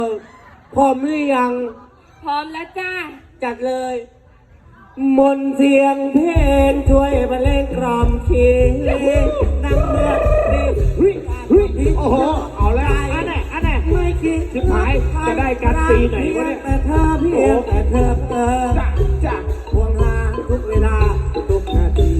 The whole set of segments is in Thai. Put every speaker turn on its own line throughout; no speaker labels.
พร้อมหรือยัง
พร้อมแล้วจ้า
จัดเลยมนต์เสียงเพลงช่วยบรรเลงกล่อมชีนั่งเมื่อดี
โอ้โหเอาแล้วอันไหน
ไม่คิด
สุดท้ายจะได้กันปีไหนวะเนี่ย
แต่เธอเพียงแต่เธอ
จ้ะ
ห่วงหาทุกเวลาทุกนาที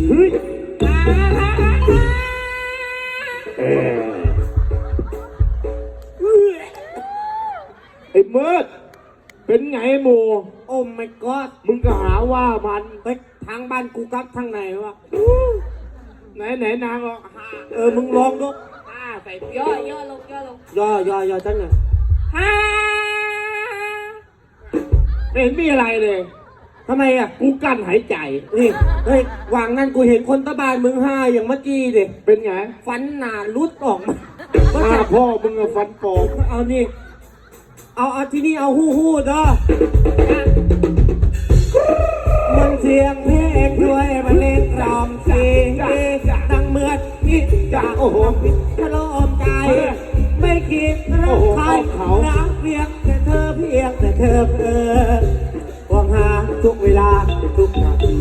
ไอ้เมิดเป็นไงหมู
โอ้ my god
มึงก็หาว่ามัน
ไปทางบ้านกูกับทางไหนวะ
ไหนนางอ่ะ
มึงลองดู
ใส่ย่ลงย่
อจังหน่อย
ฮ่า
ไม่เห็นมีอะไรเลย
ทำไมอ่ะ
กูกั้นหายใจ
นี่เฮ้ยวางนั่นกูเห็นคนตะบานมึงห้าอย่างเมื่อกี้ดิ
เป็นไง
ฟันหนาลุดออกมา
พ่อมึงอะฟันปอก
เอานี่เอาที่นี่เอาฮู้เด้อมันเสียงเพลงด้วยมันเล่นรำมซีดังเมื่อนี่จะโอ้โหทะเลาะใจไม่คิดรักใครรักเพียงแต่เธอห่วงหาทุกเวลาทุกนาที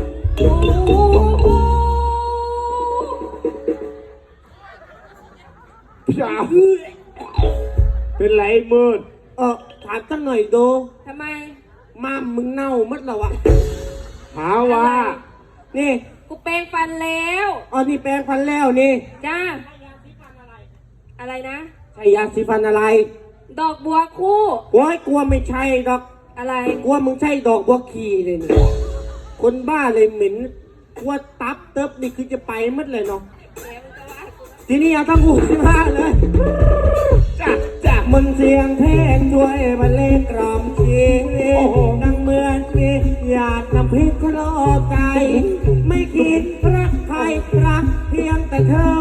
พี่สาวเป็นไรมืด
ถามตั้งหน่อยโด
ทำไม
ม้ามมึงเน่ามัดแล้ววะ
หาว่า
นี่
กูแปรงฟันแล้ว
นี่แปรงฟันแล้วนี่
จ้าอะไรนะ
ใช่ยาสีฟันอะไร
ดอกบัวคู่
โอ้ยกลัวไม่ใช่ดอก
อะไร
กลัวมึงใช่ดอกบัวขีเลยนี่คนบ้าเลยเหม็นกลัวตับเติบนี่คือจะไปมัดเลยเนาะทีนี้เอาทั้งหูที่ผ้าเลยจากมันเสียงเพลงช่วยบรรเลงกล่อมชีดังเหมือนมีหยาดน้ำพริกคลอใจไม่คิดรักใครรักเพียงแต่เธอ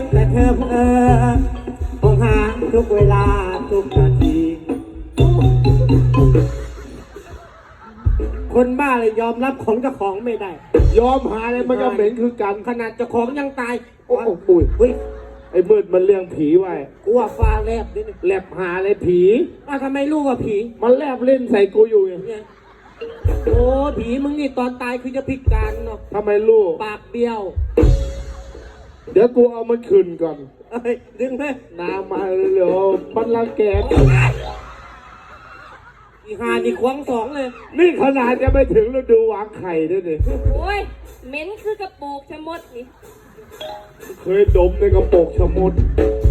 ห่วงหาทุกเวลาทุกนาทีคนบ้าเลยยอมรับของเจ้าของไม่ได้
ยอมหาอะไรมันก็เหม็นคือกัน
ขนาดเจ้าของยังตาย
โอ้โหไอ้มืดมันเลี้ยงผีไว้
กูว่าฟ้าแลบดิ
แลบหาอะไรผี
ทำไมรู้ว่าผี
มันแลบเล่นใส่กูอยู่อย่าง
นี้โอ้ผีมึงนี่ตอนตายคือจะพิการเนาะ
ทำไมรู้
ปากเบี้ยว
เดี๋ยวกูเอามันคืนก่อน
ดึงไหม
น้ำมาเร็วปันละแก
อีหานี่ควงสองเลย
นี่ขนาดจะไปถึงฤดูวางไข่ด้วยดิ
โอ้ยเหม็นคือกระโปกชะมดนี่
เคยดมในกระโปกชะมด